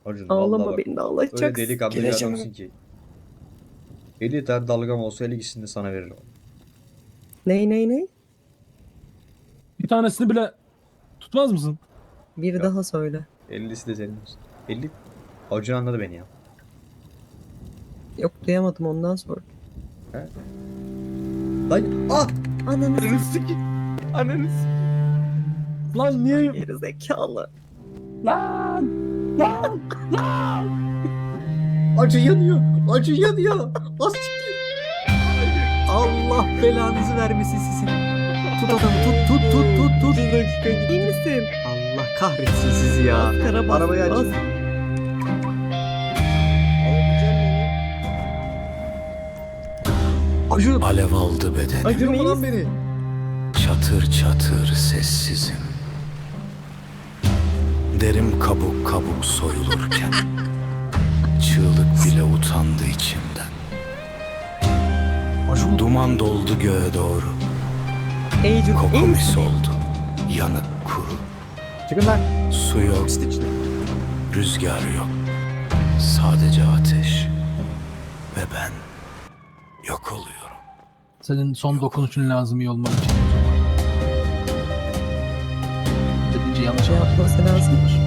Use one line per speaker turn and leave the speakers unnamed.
Acun vallahi
Ağlama,
bak.
beni de
Öyle
ağlatacaksın.
delikanlı bir
Geleceğim.
adamsın ki. 50 tane dalgam olsa 50'sini de sana veririm.
Ney?
Bir tanesini bile tutmaz mısın?
Bir
Yok.
daha söyle.
50'si de senin olsun. 50. Acun anladı beni ya.
Yok, duyamadım, ondan sonra.
He? Lan ah!
Ananı
Ananı sikeyim. Ananı sikeyim. Lan niye?
geri zekalı.
Lan! Lan! Lan!
Acun yanıyor. Acun yanıyor. Az siktir. Allah belanızı vermesin sizin. Tut adamı tut.
Bir dakika, iyi misin?
Allah kahretsin sizi ya.
Kara bas,
Arabayı
bas.
açın. Acun.
Alev aldı bedeni.
Acun,
Acun
iyi
lan
misin?
beni.
Çatır çatır sessizim. Derim kabuk kabuk soyulurken. Çığlık bile utandı içimden. Duman doldu göğe doğru.
Ey Acun, iyi
Koku mis
misin?
oldu. Yanık kuru.
Çıkın lan.
Su yok,
Pislik işte.
rüzgar yok. Sadece ateş. Ve ben yok oluyorum.
Senin son dokunuşun lazım iyi olman için. Dedince yanlış
Ne
anladım.
yapması lazımdır?